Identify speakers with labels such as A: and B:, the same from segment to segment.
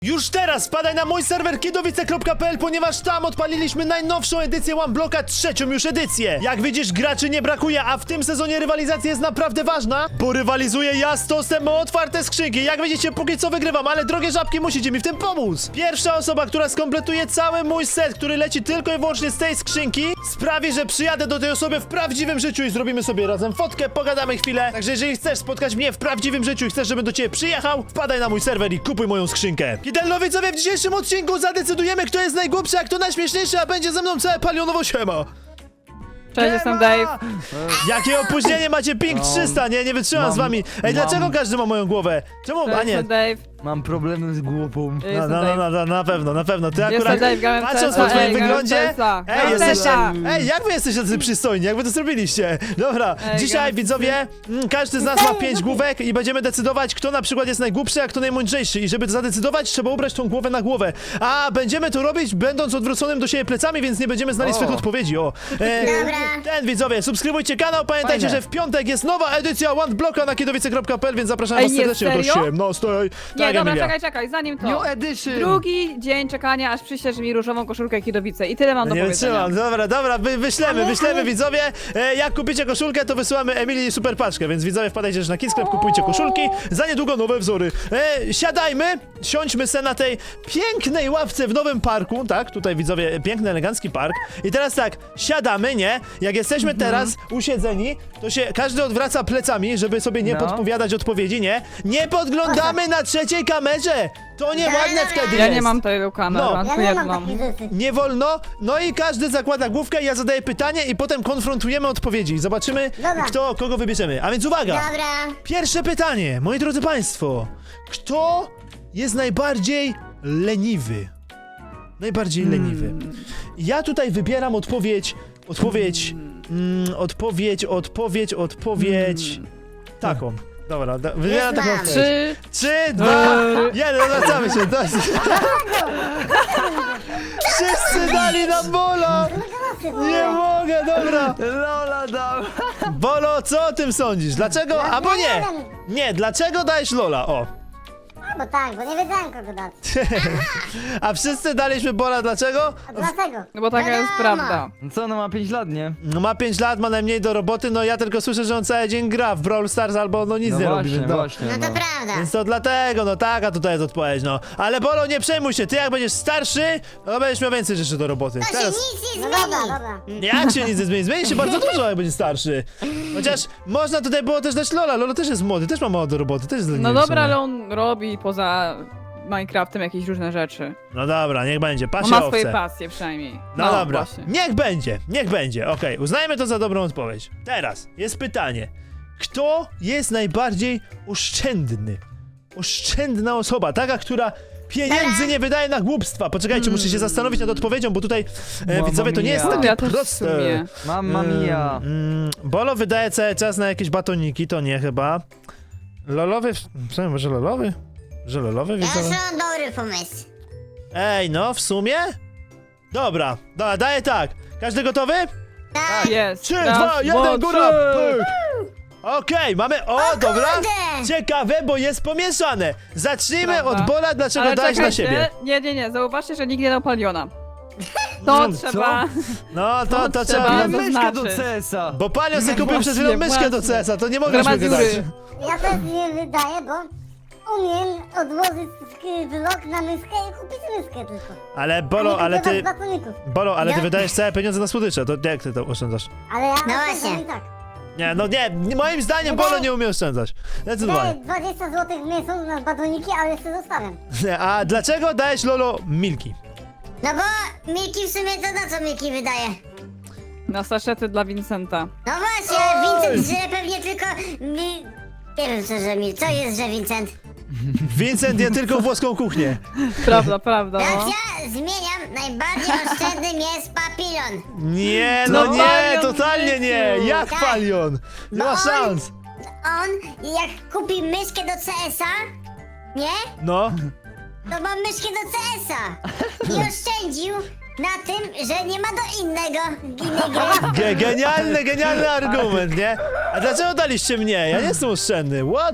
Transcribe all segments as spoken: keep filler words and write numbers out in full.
A: Już teraz wpadaj na mój serwer kidowice kropka p l, ponieważ tam odpaliliśmy najnowszą edycję One Blocka, trzecią już edycję. Jak widzisz, graczy nie brakuje, a w tym sezonie rywalizacja jest naprawdę ważna, bo rywalizuję ja z Tostem o otwarte skrzynki. Jak widzicie, póki co wygrywam, ale drogie żabki, musicie mi w tym pomóc. Pierwsza osoba, która skompletuje cały mój set, który leci tylko i wyłącznie z tej skrzynki, sprawi, że przyjadę do tej osoby w prawdziwym życiu i zrobimy sobie razem fotkę, pogadamy chwilę. Także jeżeli chcesz spotkać mnie w prawdziwym życiu i chcesz, żebym do ciebie przyjechał, wpadaj na mój serwer i kupuj moją skrzynkę. Kidelno, widzowie, w dzisiejszym odcinku zadecydujemy, kto jest najgłupszy, a kto najśmieszniejszy, a będzie ze mną całe palionowo siema.
B: Cześć, jestem Dave.
A: Jakie opóźnienie macie, ping trzysta, nie, nie wytrzymam
C: Mam,
A: z wami. Ej,
C: mam.
A: dlaczego każdy ma moją głowę? Czemu,
B: Cześć,
A: a nie?
B: jestem Dave.
C: Mam problemy z głową.
B: Ja
A: No,
B: jestem
A: no, no,
B: Dave.
A: no, no, na pewno, na pewno. Ty
B: Jestem
A: akurat,
B: Dave, grałem
A: patrząc
B: C S
A: po
B: a,
A: twoim
B: ej, grałem
A: wyglądzie,
B: C S a.
A: ej,
B: Grałem
A: jesteście,
B: C S a.
A: ej, jak wy jesteście tacy przystojni, jak wy to zrobiliście? Dobra,
B: Ej,
A: dzisiaj
B: grałem w
A: widzowie, mm, każdy z nas ma pięć główek i będziemy decydować, kto na przykład jest najgłupszy, a kto najmądrzejszy. I żeby to zadecydować, trzeba ubrać tą głowę na głowę. A będziemy to robić, będąc odwróconym do siebie plecami, więc nie będziemy znali
C: O.
A: swych odpowiedzi. O, e,
D: Dobra.
A: ten widzowie, subskrybujcie kanał, pamiętajcie,
C: Fajne.
A: że w piątek jest nowa edycja One Blocka na kidowice kropka p l, więc zapraszam
B: Ej,
A: was
B: nie,
A: serdecznie do
B: serio?
A: siedemnastej.
B: Nie,
A: Tak,
B: dobra,
A: Emilia.
B: czekaj, czekaj, zanim to.
C: New Edition!
B: Drugi dzień czekania, aż przyślesz mi różową koszulkę i kidowice. I tyle mam do
A: Nie
B: powiedzenia.
A: wytrzymam, dobra, dobra, wy, wyślemy,
D: Ale-
A: wyślemy
D: ale-
A: widzowie. E, jak kupicie koszulkę, to wysyłamy Emilii super paczkę, więc widzowie wpadajcie też na Kidsklep, kupujcie koszulki. Za niedługo nowe wzory. E, siadajmy, siądźmy se na tej pięknej ławce w nowym parku, tak? Tutaj widzowie, piękny, elegancki park. I teraz tak, siadamy, nie? Jak jesteśmy teraz usiedzeni, to się każdy odwraca plecami, żeby sobie nie
C: No.
A: podpowiadać odpowiedzi, nie? Nie podglądamy na trzeciej kamerze! To nieładne wtedy
B: Ja
A: jest.
B: nie mam tylu kamer,
A: No.
B: mam
D: Ja
B: tylko
D: nie mam
B: jedną.
D: takich rzeczy.
A: Nie wolno, no i każdy zakłada główkę, ja zadaję pytanie i potem konfrontujemy odpowiedzi. Zobaczymy,
D: Dobra.
A: kto kogo wybierzemy. A więc uwaga!
D: Dobra.
A: Pierwsze pytanie, moi drodzy państwo. Kto jest najbardziej leniwy? Najbardziej leniwy. Ja tutaj wybieram odpowiedź, odpowiedź, mm, odpowiedź, odpowiedź, odpowiedź. Taką. Dobra, da, wybieram taką
D: mam.
A: odpowiedź.
B: Trzy,
A: Trzy, dwa, jeden, wracamy się. To jest... Wszyscy dali nam Bolo! Nie mogę, dobra.
C: Lola dał!
A: Bolo, co o tym sądzisz? Dlaczego? Albo nie! Nie, dlaczego dajesz Lola? O.
D: Bo tak, bo nie wiedziałem kogo dać.
A: A wszyscy daliśmy Bola, dlaczego?
D: A dlaczego?
B: no bo taka jest
D: Wiadomo.
B: prawda.
C: No co, no ma pięć lat, nie?
A: No ma pięć lat, ma najmniej do roboty, no ja tylko słyszę, że on cały dzień gra w Brawl Stars albo no nic
C: No
A: nie
C: właśnie,
A: robi. No.
C: właśnie,
D: No
C: no.
D: to prawda.
A: Więc to dlatego, no taka tutaj jest odpowiedź, no. Ale Bolo, nie przejmuj się, ty jak będziesz starszy, no będziesz miał więcej rzeczy do roboty.
D: To się nic nie
A: No
D: zmieni.
A: tak.
D: Dobra, dobra.
A: Jak się nic nie zmieni? Zmieni się bardzo dużo, jak będzie starszy. Chociaż można tutaj było też dać Lola. Lolo też jest młody, też ma mało do roboty, też jest leniwy
B: No
A: w
B: dobra,
A: sumie.
B: ale on robi poza Minecraftem jakieś różne rzeczy.
A: No dobra, niech będzie,
B: On
A: pasie
B: ma swoje
A: owce.
B: pasje przynajmniej.
A: No, dobra,
B: Właśnie.
A: niech będzie, niech będzie, okej, uznajmy to za dobrą odpowiedź. Teraz jest pytanie, kto jest najbardziej oszczędny? Oszczędna osoba, taka, która pieniędzy nie wydaje na głupstwa. Poczekajcie, muszę się zastanowić nad odpowiedzią, bo tutaj, e,
C: Mamma
A: widzowie, to nie jest
C: mia.
A: takie
B: Ja też w
A: proste.
B: sumie.
C: Mamma mia!
A: Mm, Bolo wydaje cały czas na jakieś batoniki, to nie chyba. Lolowy, w sumie może lolowy? Że lolowy
D: Ja
A: widzowie?
D: już mam dobry pomysł.
A: Ej, no, w sumie? Dobra, dobra, daję tak. Każdy gotowy?
D: Tak.
B: Jest.
A: Trzy,
B: Raz,
A: dwa, jeden,
B: dwa,
A: góra!
B: trzy.
A: Pyk. Okej, mamy, o, dobra.
D: kurde!
A: Ciekawe, bo jest pomieszane. Zacznijmy
B: Prawda.
A: od Bola, dlaczego
B: Ale
A: dałeś na
B: czekajcie,
A: siebie.
B: Nie, nie, nie, zauważcie, że nikt nie dał Paliona. To
A: No,
B: trzeba...
A: No, to, to
B: To
A: trzeba...
B: trzeba.
C: Mam myszkę do
B: znaczy?
C: C S a!
A: Bo Palio sobie kupił przed chwilą
B: Właśnie,
A: myszkę do
B: właśnie.
A: C S a, to nie mogę
B: Która ma
A: myszkę dać.
B: dziury.
D: Ja też nie wydaję, bo umiem odłożyć sk- blok na myszkę i kupić myszkę tylko.
A: Ale Bolo,
D: A nie
A: ale
D: kupować
A: ty...
D: batoników.
A: Bolo, ale ty
D: Ja-
A: wydajesz całe pieniądze na słodycze, to jak ty to oszczędzasz?
D: Ale ja
E: No
D: oszczędzam
E: właśnie.
D: i tak.
A: Nie, no nie, nie, moim zdaniem Bolo nie umie oszczędzać.
D: Daję
A: Zdecydowanie.
D: dwadzieścia złotych w miesiąc na batoniki, ale jeszcze zostawiam.
A: A dlaczego dajesz Lolo Milki?
E: No bo Milki w sumie to na co Milki wydaje?
B: Na saszety dla Vincenta.
E: No właśnie, Vincent że pewnie tylko... Mi... Nie wiem co, że Mil... Co jest, że Vincent?
A: Vincent je tylko włoską kuchnię.
B: Prawda, prawda,
E: Teraz
B: no.
E: ja zmieniam, najbardziej oszczędnym jest papilon.
A: Nie, no
B: No
A: nie,
B: Palion
A: totalnie
B: w
A: nie.
B: życiu.
A: Jak
E: Tak.
A: Palion? Nie
E: No
A: ma
E: on-
A: szans.
E: On, jak kupi myszkę do C S a, nie?
A: No.
E: To ma myszkę do C S a. I oszczędził na tym, że nie ma do innego, innej gry.
A: Ge genialny, genialny argument, nie? A dlaczego daliście mnie? Ja nie jestem oszczędny. What?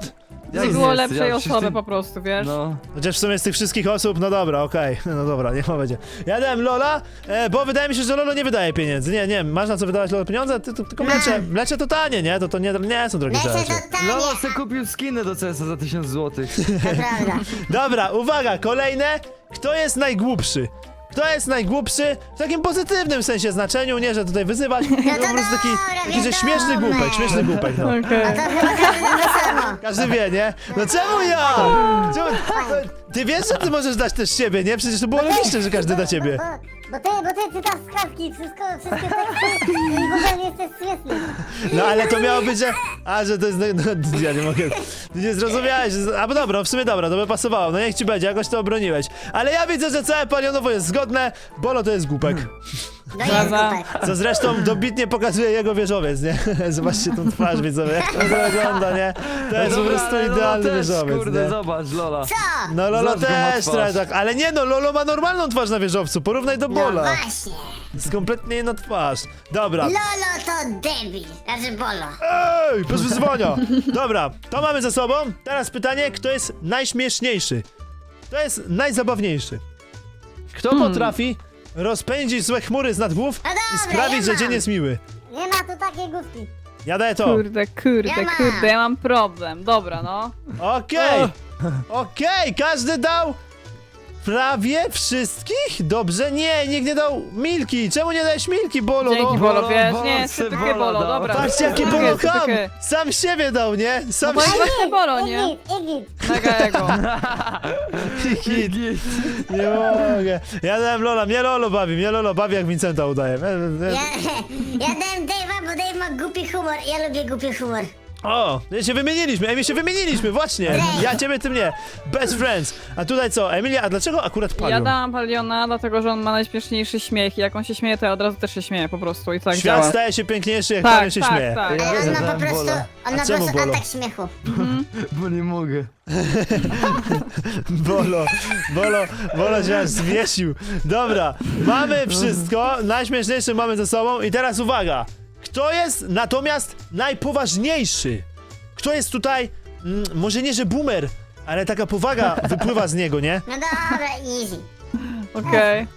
C: Jak
B: Nie było
C: jest?
B: lepszej
C: Ja
B: osoby
C: wszyscy-
B: po prostu, wiesz?
C: No.
A: Chociaż w sumie z tych wszystkich osób, no dobra, okej, no dobra, niech ma będzie. Ja dałem Lola, e, bo wydaje mi się, że Lolo nie wydaje pieniędzy. Nie, nie, masz na co wydawać Lolo pieniądze? Ty, ty, tylko mlecze, mlecze to tanie, nie? To, to nie, nie są drogie
E: Lecę
A: rzeczy.
E: to tanie,
C: Lolo se kupił skiny do C S a za tysiąc złotych.
E: to prawda.
A: Dobra, uwaga, kolejne. Kto jest najgłupszy? Kto jest najgłupszy w takim pozytywnym sensie znaczeniu, nie, że tutaj wyzywać, tylko po prostu taki, taki że śmieszny głupek, śmieszny głupek, no.
B: Okej.
E: To chyba każdy to samo.
A: Każdy wie, nie? No czemu ja? Czemu? Ty wiesz, że ty możesz dać też siebie, nie? Przecież to było logiczne, że każdy da ciebie.
D: Bo, bo, ty, bo ty czytasz skazki, wszystko, wszystkie teksty i w ogóle nie jesteś śmieszny.
A: No ale to miało być, że... A, że to jest... No, no, ja nie mogę... Ty nie zrozumiałeś. że- A, bo dobra, w sumie dobra, to by pasowało. No niech ci będzie, jakoś to obroniłeś. Ale ja widzę, że całe palionowo jest zgodne. Bolo to jest głupek.
E: No jest
B: Prawda.
E: głupek.
A: Co zresztą dobitnie pokazuje jego wieżowiec, nie? Zobaczcie tą twarz, widzowie, jak to wygląda, nie? To jest po
C: Dobra,
A: prostu
C: ale Lolo
A: idealny
C: też,
A: wieżowiec,
C: kurde,
A: nie?
C: zobacz, Lola.
E: Co?
A: No Lolo
C: Zobacz, go ma
A: też
C: twarz.
A: trochę tak, ale nie no, Lolo ma normalną twarz na wieżowcu, porównaj do
E: No
A: Bola.
E: właśnie.
A: Jest kompletnie inna twarz. Dobra.
E: Lolo to debil. Znaczy Bolo.
A: Ej, bez wyzwania! Dobra, to mamy ze sobą. Teraz pytanie, kto jest najśmieszniejszy? Kto jest najzabawniejszy? Kto potrafi rozpędzić złe chmury z nad głów
E: No
A: i
E: dobra,
A: sprawić,
E: ja
A: że cię
E: mam.
A: nie zmiły?
D: Nie ma tu takiej główki.
A: Ja daję to.
B: Kurde, kurde,
E: Ja mam.
B: kurde, ja mam problem. Dobra, no.
A: Okej, okej, każdy dał prawie wszystkich? Dobrze, nie, nikt nie dał Milki. Czemu nie dałeś Milki, Bolo?
B: Dzięki,
A: No?
B: Bolo,
C: Bolo,
B: wiesz,
C: Bolo,
B: nie,
C: se
B: sytykę
C: Bolo
B: Bolo,
C: dał.
B: dobra.
A: Patrzcie, jaki
B: sytykę,
A: Bolo ham!
B: sytykę.
A: Sam siebie dał, nie?
B: No
A: Sam
B: bo jest
A: siebie...
B: właśnie Bolo, nie?
D: Igit, igit.
B: Mega ego.
A: Hit. Nie mogę. Ja dałem Lola, mnie Lolo bawi, mnie Lolo bawi jak Vincenta udaje.
E: Ja, ja dałem Dave'a, bo Dave ma głupi humor. Ja lubię głupi humor.
A: O, my się wymieniliśmy, Emi się wymieniliśmy, właśnie. Ja ciebie, ty mnie. Best friends. A tutaj co, Emilia, a dlaczego akurat
B: Ja
A: Palion?
B: dałam Paliona, dlatego że on ma najśmieszniejszy śmiech i jak on się śmieje, to ja od razu też się śmieję po prostu i tak
A: Świat
B: działa.
A: staje się piękniejszy, jak
B: Tak,
A: Palion się
B: tak,
A: śmieje.
B: tak.
C: Ja
E: Ale on ma
C: dałem
E: po prostu,
C: Bola.
E: on
A: A
E: ma po
A: czemu
E: prostu
A: Bolo?
E: atak śmiechu.
C: Bo nie mogę.
A: Bolo, Bolo, Bolo się aż zwiesił. Dobra, mamy wszystko, najśmieszniejsze mamy ze sobą i teraz uwaga. Kto jest natomiast najpoważniejszy? Kto jest tutaj, mm, może nie, że boomer, ale taka powaga wypływa z niego, nie?
E: No dobra, easy.
B: Okej.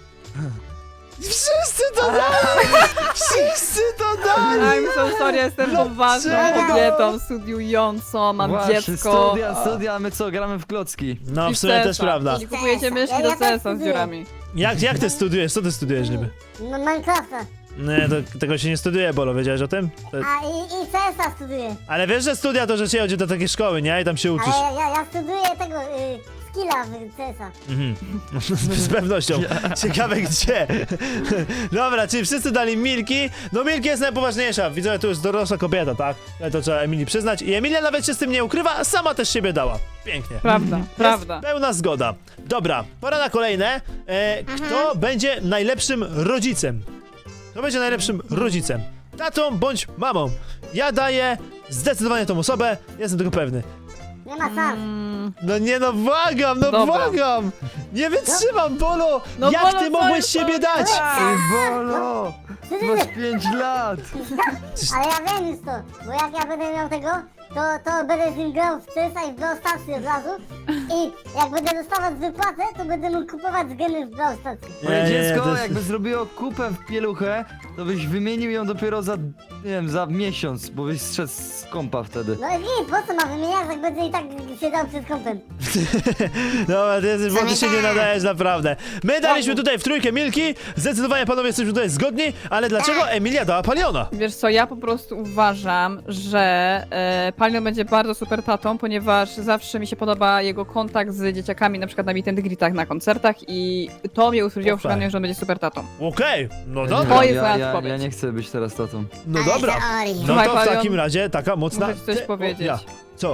A: Wszyscy to dali! Wszyscy to dali!
B: I'm so sorry, jestem poważną
A: Dlaczego?
B: kobietą, studiującą, mam
C: Właśnie,
B: dziecko.
C: studia, studia, a my co, gramy w klocki.
A: No,
B: I
A: w sumie też
B: C S a.
A: prawda.
B: I kupujecie myszki
D: Ja-
B: do
D: ja tak
B: C S a z
D: studiuję.
B: dziurami.
A: Jak, jak ty studiujesz? Co ty studiujesz niby?
D: No, Minecrafta.
A: Nie, to, tego się nie studiuje, Bolo, wiedziałeś o tym? To,
D: A i, i C S a studiuję.
A: ale wiesz, że studia to, że się chodzi do takiej szkoły, nie? I tam się uczysz.
D: Ale ja, ja, ja studiuję tego, y, skilla w C S a.
A: Mhm. Z pewnością. Ciekawe gdzie. Dobra, czyli wszyscy dali Milki. No Milki jest najpoważniejsza. Widzę, tu jest dorosła kobieta, tak? Ale to trzeba Emilii przyznać. I Emilia nawet się z tym nie ukrywa, a sama też siebie dała. Pięknie.
B: Prawda,
A: Jest
B: prawda.
A: pełna zgoda. Dobra, pora na kolejne. E, kto będzie najlepszym rodzicem? Kto będzie najlepszym rodzicem? Tatą bądź mamą? Ja daję zdecydowanie tą osobę, jestem tego pewny.
D: Nie ma szans.
A: No nie no, błagam, no
B: Dobra.
A: błagam! Nie wytrzymam, Bolo!
B: No,
A: Jak
B: Bolo,
A: ty
B: co
A: mogłeś
B: jest
A: siebie
B: to?
A: dać?
C: Ej, Bolo! Masz pięć lat!
D: Ale ja wiem już to, bo jak ja będę miał tego, to, to będę z nim grał w C S a i w Brawl Starsy od razu. I jak będę dostawać wypłatę, to będę mógł kupować gemy w Brawl Starsy.
C: Moje
A: Nie, nie,
C: dziecko,
A: to jest-
C: jakby zrobiło kupę w pieluchę, to byś wymienił ją dopiero za, nie wiem, za miesiąc, bo byś zszedł z kompa wtedy.
D: No i nic, po co ma wymieniać, jak będzie i tak siedział przed kąpem.
A: Dobra, ty jesteś, bo ty się nie nadajesz naprawdę. My daliśmy tutaj w trójkę Milki, zdecydowanie panowie jesteśmy tutaj zgodni, ale dlaczego Emilia dała Paliona?
B: Wiesz co, ja po prostu uważam, że e, Palion będzie bardzo super tatą, ponieważ zawsze mi się podoba jego kontakt z dzieciakami, na przykład na meet and greetach, na koncertach i to mnie utwierdziło w
A: Okej.
B: przekonaniu, że on będzie super tatą.
A: Okej, no
C: Ja
A: dobra,
B: To jest
C: ja,
B: moja
C: ja,
B: odpowiedź.
C: ja nie chcę być teraz tatą.
A: no
E: Ale
A: dobra.
E: teorii.
A: No
B: Słuchaj,
A: to w
B: Palion,
A: takim razie taka mocna...
B: muszę ci coś
A: Ty- o,
B: powiedzieć.
A: ja. Co?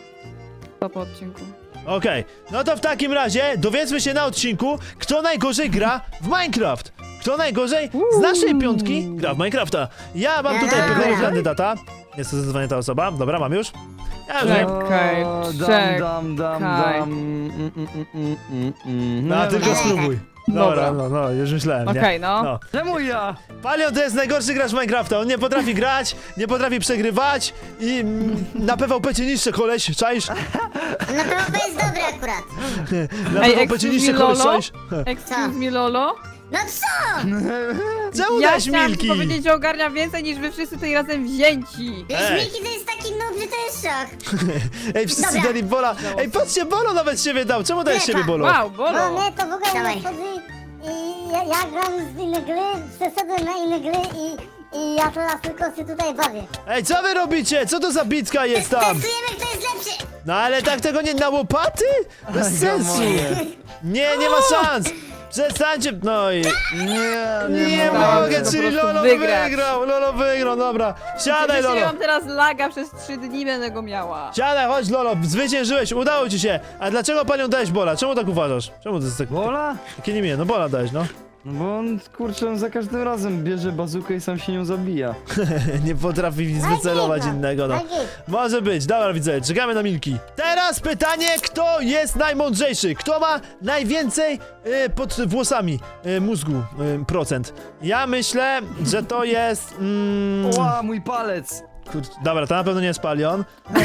B: To po odcinku.
A: Okej, no to w takim razie dowiedzmy się na odcinku, kto najgorzej gra w Minecraft. Kto najgorzej z naszej piątki gra w Minecrafta. Ja mam tutaj
E: Dobra.
A: pewnego kandydata. Jest to zdecydowanie ta osoba. Dobra, mam już. Ja już wiem.
B: Czekaj,
C: O,
B: czekaj.
C: dam, dam, dam, dam. Mm, mm, mm, mm, mm, mm.
A: No,
C: ja
A: tylko
C: wiem.
A: spróbuj. Dobra, no, no, już myślałem, nie?
B: Okej, no.
A: no.
C: Czemu ja?
A: Palion to jest najgorszy gracz Minecrafta, on nie potrafi grać, nie potrafi przegrywać i mm, na P V P cię niszczy koleś, czaisz?
E: No to jest dobre akurat.
A: Na
B: Ej,
A: P V P cię
B: excuse
A: niszczy
B: me,
A: koleś,
B: Lolo?
A: czaisz?
B: Excuse me, Lolo?
E: No co?
A: Czemu
B: Ja
A: dałeś
B: chciałam
A: Milki?
B: ci powiedzieć, że ogarnia więcej niż wy wszyscy tutaj razem wzięci.
E: Wiesz,
A: Ej.
E: Miki to jest taki noob, że to jest szok.
A: Ej, wszyscy
E: Dobra.
A: dali Bola. Ej, patrzcie, Bolo nawet siebie dał, czemu dajesz
E: Lepa.
A: siebie Bolo?
B: Wow,
D: No
B: bolo.
D: mnie to w ogóle
E: Dawaj.
D: nie wchodzi i ja, ja gram z inne gry, przeszedłem na inne gry i, i ja teraz tylko się tutaj bawię.
A: Ej, co wy robicie? Co to za bitka jest tam?
E: Testujemy, kto jest lepszy.
A: No ale tak tego nie na łopaty? Bez sensu. Nie, nie ma szans. Przestańcie, no i...
C: Nie,
A: Nie
C: nie
B: mogę,
A: mogę,
B: po
A: czyli
B: prostu
A: Lolo
B: wygrać.
A: wygrał, Lolo wygrał, dobra. Siadaj,
B: Oczywiście
A: Lolo.
B: ja mam teraz laga przez trzy dni, będę go miała.
A: Siadaj, chodź, Lolo, zwyciężyłeś, udało ci się. A dlaczego panią dałeś Bola? Czemu tak uważasz? Czemu to jest tak...
C: Bola?
A: Takie nie miło, no Bola dałeś, no.
C: No bo on, kurczę, on za każdym razem bierze bazukę i sam się nią zabija.
A: Nie potrafi nic wycelować
D: Najgit,
A: innego, no.
D: najgit.
A: Może być, dobra widzę, czekamy na Milki. Teraz pytanie, kto jest najmądrzejszy? Kto ma najwięcej y, pod włosami y, mózgu y, procent? Ja myślę, że to jest... Mm,
C: Ła, mój palec!
A: kurczę, dobra, to na pewno nie jest Palion.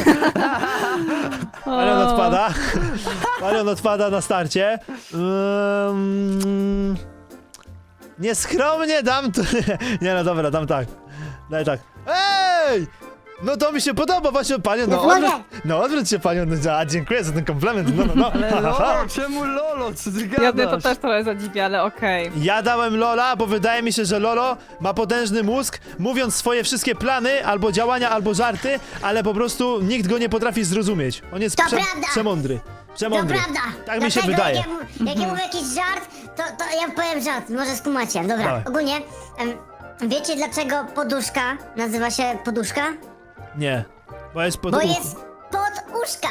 A: Palion
B: O.
A: odpada. Palion odpada na starcie. Um, nieskromnie dam to... Nie no dobra, dam tak. Daj tak. Ej! No to mi się podoba, właśnie Palion, no
D: No mogę.
A: odwróć, no odwróć się Palion, a dziękuję za ten komplement, no no no.
C: Ale
A: Ha, ha, ha.
C: Lolo, czemu Lolo? Co ty
B: Ja mnie to
C: gadasz?
B: też trochę zadziwia, ale okej.
A: Ja dałem Lola, bo wydaje mi się, że Lolo ma potężny mózg, mówiąc swoje wszystkie plany, albo działania, albo żarty, ale po prostu nikt go nie potrafi zrozumieć. On jest
E: To
A: prze
E: prawda.
A: przemądry.
E: To
A: Przemądry.
E: prawda.
A: Tak mi się
E: Dlatego
A: wydaje.
E: Jak ja, mu- jak ja mówię jakiś żart, to, to ja powiem żart, może skumacie. Dobra,
A: Dawaj.
E: ogólnie, em, wiecie dlaczego poduszka nazywa się poduszka?
A: Nie. Bo jest pod
E: Bo
A: uch-
E: jest pod uszka.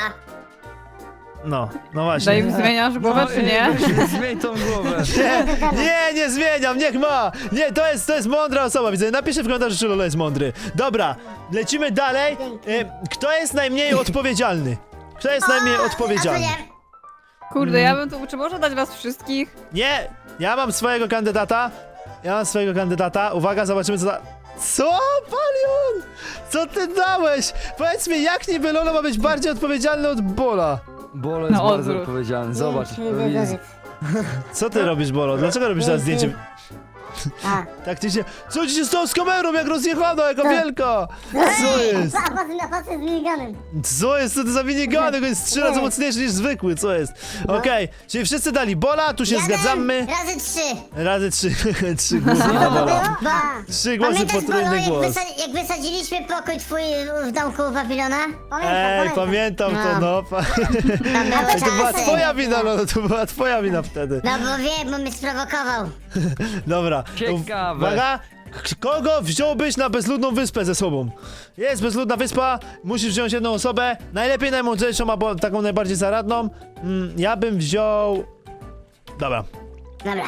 A: No, no
B: Dave,
A: właśnie.
B: zmieniasz głowę, czy nie?
C: No, Zmień tą głowę.
A: Nie, nie, nie zmieniam, niech ma! Nie, to jest, to jest mądra osoba, widzę. Napiszę w komentarzu, czy Lolo jest mądry. Dobra, lecimy dalej. E, Kto jest najmniej odpowiedzialny? Kto jest najmniej
E: A
A: odpowiedzialny?
E: to nie.
B: Kurde, ja bym tu... Czy można dać was wszystkich?
A: Nie, ja mam swojego kandydata. Ja mam swojego kandydata. Uwaga, zobaczymy co da... Co, Palion? Co ty dałeś? Powiedz mi, jak niby Lolo ma być bardziej odpowiedzialny od Bolo?
C: Bolo jest
B: Na
C: bardzo
B: odwrót.
C: odpowiedzialny, zobacz.
D: Nie, nie, nie, nie.
A: Co ty robisz, Bolo? Dlaczego robisz teraz zdjęcie?
D: A,
A: Tak ty się... Co ci się stało z kamerą, jak rozjechano, jaka wielka? Co jest?
D: a patrz, a patrz z miniganem.
A: Co jest? Co to za minigany? To jest trzy razy mocniejszy niż zwykły, co jest? Okej, czyli wszyscy dali Bola, tu się
E: Jeden
A: zgadzamy.
E: Razy trzy.
A: Razy trzy, trzy głosy na Bola.
E: Ba.
A: Trzy głosy,
E: Pamiętasz, Bolo,
A: potrójny
E: jak,
A: głos.
E: wysa- jak wysadziliśmy pokój twój w domku Babilona?
D: Pamiętam,
A: Ej,
D: pamiętam.
A: pamiętam to, no. Pa...
E: Tam były
A: Ej, to była
E: czasy.
A: twoja wina, no, to była twoja wina wtedy.
E: No bo wiem, bo mnie sprowokował.
A: Dobra.
C: Ciekawe.
A: Uwaga, k- kogo wziąłbyś na bezludną wyspę ze sobą? Jest bezludna wyspa, musisz wziąć jedną osobę, najlepiej najmądrzejszą, albo taką najbardziej zaradną. Mm, ja bym wziął... Dobra.
E: Dobra.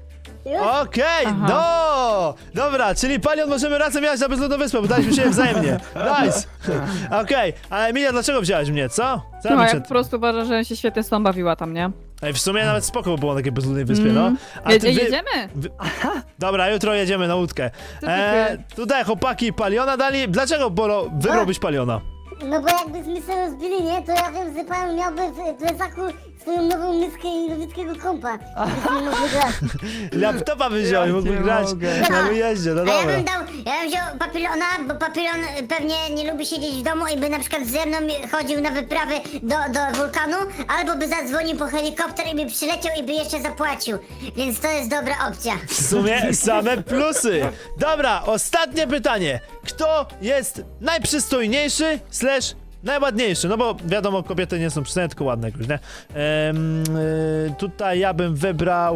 A: Okej,
B: Aha.
A: no! Dobra, czyli Palion możemy razem jechać na bezludną wyspę, bo daliśmy się wzajemnie. Nice! Okej, ale Emilia, dlaczego wziąłeś mnie, co? Co ja
B: No,
A: bym
B: ja
A: się...
B: po prostu uważam, że się świetnie z tą bawiła tam, nie?
A: Ej, w sumie nawet spoko by było na takiej bezludnej wyspie, no.
B: Mm.
A: A
B: Jedzie,
A: ty wy-
B: jedziemy?
A: Dobra, jutro jedziemy na łódkę.
B: Ty, ty,
A: E,
B: ty.
A: tutaj chłopaki Paliona dali. Dlaczego Bolo wybrałbyś Paliona?
D: No bo jakbyśmy się rozbili, nie, to ja wiem, że pan miałby w plecaku swoją nową miskę i nowickiego kompa. Byśmy mogli grać.
A: Laptopa by wziął i
C: Ja
A: mógłby
C: nie
A: grać
C: mogę.
A: na wyjeździe, no
E: A ja
A: dobra.
E: bym dał, ja bym wziął papilona, bo papilon pewnie nie lubi siedzieć w domu i by na przykład ze mną chodził na wyprawy do, do wulkanu, albo by zadzwonił po helikopter i by przyleciał i by jeszcze zapłacił. Więc to jest dobra opcja.
A: W sumie same plusy. Dobra, ostatnie pytanie. Kto jest najprzystojniejszy slash najładniejszy? No bo wiadomo, kobiety nie są przystojne, tylko ładne jakoś, nie? Ehm, y, tutaj ja bym wybrał...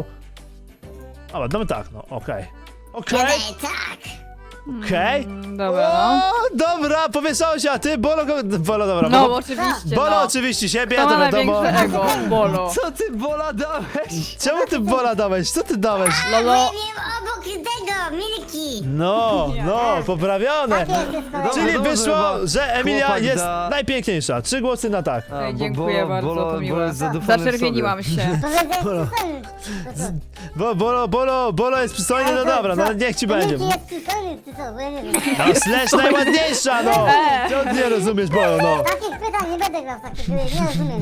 A: O, no tak, no, okej. Okej,
E: Kiedy tak.
A: okej.
B: Mm, Dobra, no.
A: O, dobra, powieszało się, a ty, Bolo, go- Bolo, dobra.
B: No,
A: Bolo,
B: oczywiście,
A: Bolo
B: no.
A: oczywiście siebie,
B: To
A: to
B: ma
A: wiadomo.
B: największe ego, Bolo.
C: Co ty Bola dałeś?
A: Czemu ty Bola dałeś? Co ty dałeś?
E: Bo ja
B: Lolo,
E: miałem obok tego, Milki.
A: No, no, poprawione.
D: Takie jest wszystko.
C: Dobrze,
A: Czyli
C: dobrze,
A: wyszło,
C: chyba
A: że Emilia
C: chłopak
A: jest
C: da-
A: najpiękniejsza. Trzy głosy na tak.
C: A,
B: Ej,
C: bo
B: dziękuję
C: Bolo-
B: bardzo,
C: Bolo-
B: to miłe.
C: Bolo jest zadowolony w
B: Zaczerwieniłam
C: sobie.
B: się.
D: Powiedziałeś przystojny. To co?
A: Bo, bolo, bolo, bolo jest przystojny, no
D: Ale to
A: dobra,
D: co?
A: no niech ci będzie.
D: Milki jest przystojny, czy co? Bo ja nie wiem.
A: No, Slash najładniejsza, no!
B: E.
A: Co ty nie rozumiesz, Bolo, no?
D: Takich pytań nie będę grał w takie gry, nie rozumiem.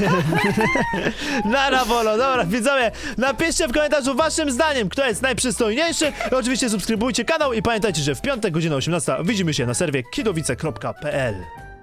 A: Nara, Bolo, dobra, widzowie, napiszcie w komentarzu waszym zdaniem, kto jest najprzystojniejszy. I oczywiście subskrybujcie kanał i pamiętajcie, że w piątek, godzina osiemnasta widzimy się na serwie kidowice kropka p l.